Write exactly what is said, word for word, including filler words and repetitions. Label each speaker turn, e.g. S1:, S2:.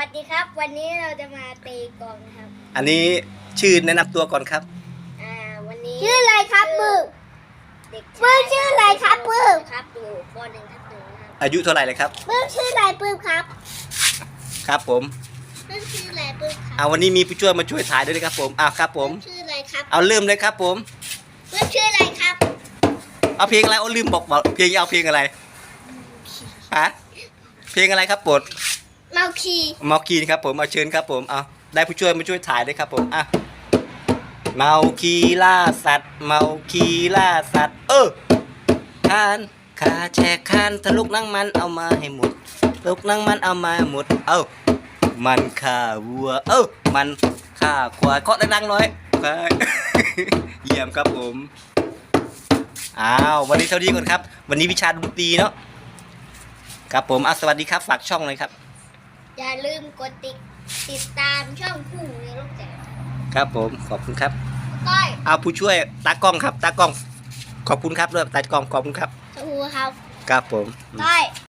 S1: วัสดีครับวันนี้เราจะมาตีกลองนะครับ
S2: อันนี้ชื่อแนะนำตัวก่อนครับ
S1: อ่าวันนี้
S3: ชื่ออะไรครับปื้ม
S1: เด็ก
S3: ปื้มชื่ออะไรครับปื้ม
S1: ครับอยู่ปหนึ่งทับหนึ่งครับ
S2: อายุเท่าไหร่เลยครับ
S3: ปื้มชื่ออะไรปื้มครับ
S2: ครับผม
S1: ปื้มชื่ออะไรปื้มครับ
S2: เอาวันนี้มีผู้ช่วยมาช่วยถ่ายด้วยนะครับผมอ้าวครับผม
S1: ชื่ออะไรครับ
S2: เอาลืมเลยครับผม
S1: ปื้มชื่ออะไรครับ
S2: เอาเพลงอะไรเอาลืมบอกบอกเพลงเอาเพลงอะไรฮะเพลงอะไรครับปด
S1: เมาคี
S2: เมาคีครับผมเอาเชิญครับผมเอาได้ผู้ช่วยมาช่วยถ่ายด้วยครับผมอ่ะเมาคีล่าสัตว์เมาคีล่าสัตว์เออคานขาแชกคานทะลุนั่งมันเอามาให้หมดทะลุนั่งมันเอามาหมดเอ้ามันฆ่าวัวเอ้ามันฆ่าควายเคาะดังๆหน่อยเยี่ยมครับผมอ้าววันนี้เท่านี้ก่อนครับวันนี้วิชาดนตรีเนาะครับผมอ่ะสวัสดีครับฝากช่องเลยครับ
S1: อย่าลืมกดติดติดตามช่องผู้ในโลกแจก
S2: ครับผมขอบคุณครับ
S1: ก้อย
S2: เอาผู้ช่วยตากล้องครับตากล้องขอบคุณครับด้วยตากล้องขอบคุณครับ
S1: สู้ครับ
S2: ครับผม
S1: ก้อย